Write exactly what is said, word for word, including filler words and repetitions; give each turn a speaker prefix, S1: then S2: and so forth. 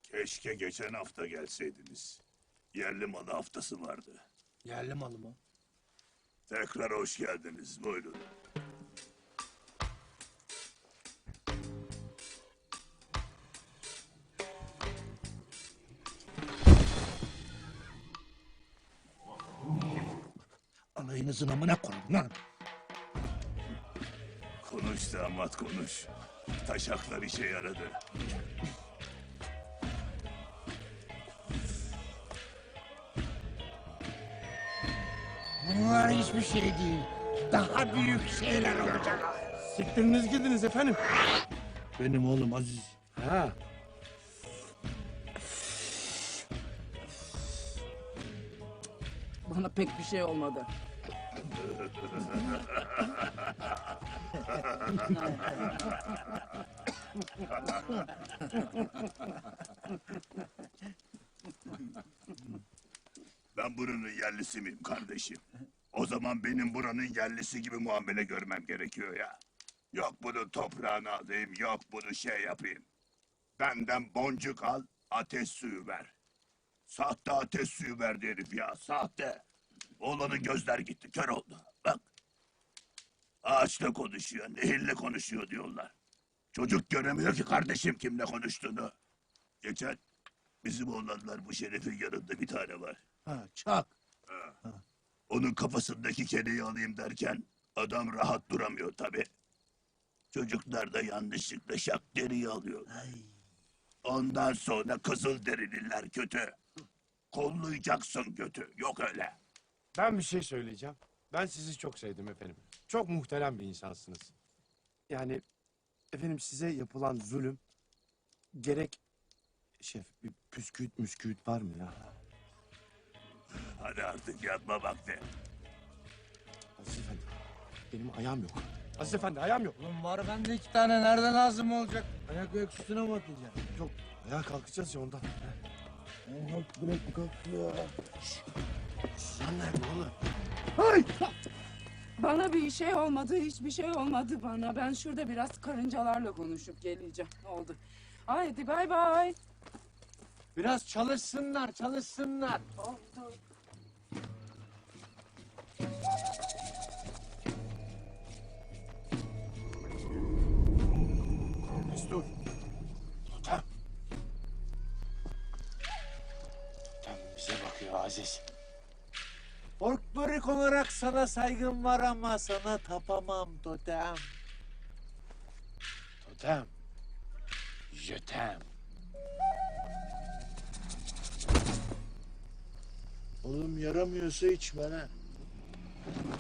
S1: Keşke geçen hafta gelseydiniz. Yerli malı haftası vardı.
S2: Yerli malı mı?
S1: Tekrar hoş geldiniz. Buyurun.
S2: Alayınızın amına koyun lan.
S1: Konuş damat konuş. Taşaklar işe yaradı.
S2: Bunlar hiçbir şey değil. Daha büyük şeyler olacak.
S3: Siktiriniz gidiniz efendim.
S2: Benim oğlum Aziz.
S3: Ha.
S4: Bana pek bir şey olmadı.
S1: Ben buranın yerlisi miyim kardeşim? O zaman benim buranın yerlisi gibi muamele görmem gerekiyor ya. Yok bunu toprağına alayım, yok bunu şey yapayım. Benden boncuk al, ateş suyu ver. Sahte ateş suyu verdi herif ya, sahte. Oğlanın gözler gitti, kör oldu. Bak. Ağaçla konuşuyor, nehirle konuşuyor diyorlar. Çocuk göremiyor ki kardeşim kimle konuştuğunu. Geçen bizim oğlanlar bu Şeref'in yanında bir tane var.
S2: Ha, çak.
S1: Onun kafasındaki kereyi alayım derken adam rahat duramıyor tabi. Çocuklar da yanlışlıkla şak deriyi alıyor. Ondan sonra kızıl derililer kötü. Kollayacaksın kötü. Yok öyle.
S3: Ben bir şey söyleyeceğim. Ben sizi çok sevdim efendim. Çok muhterem bir insansınız. Yani efendim size yapılan zulüm gerek şef bir püsküüt müsküüt var mı ya?
S1: Hadi artık yatma vakti.
S3: Aziz efendi benim ayağım yok. Aziz efendi ayağım yok.
S2: Oğlum var bende iki tane. Nereden lazım olacak? Ayak ayak üstüne mi atacaksın?
S3: Yok ayağa kalkacağız ya ondan.
S2: Kalk bırak kalk ya.
S3: Sen nerede oğlum?
S4: Bana bir şey olmadı, hiçbir şey olmadı bana. Ben şurada biraz karıncalarla konuşup geleceğim. Oldu. Haydi bay bay.
S2: Biraz çalışsınlar çalışsınlar.
S4: Oldu.
S3: Mesut. Totem. Totem bize bakıyor Aziz.
S5: Folklorik olarak sana saygım var ama sana tapamam totem.
S3: Totem. Jötem.
S2: Oğlum yaramıyorsa içme lan.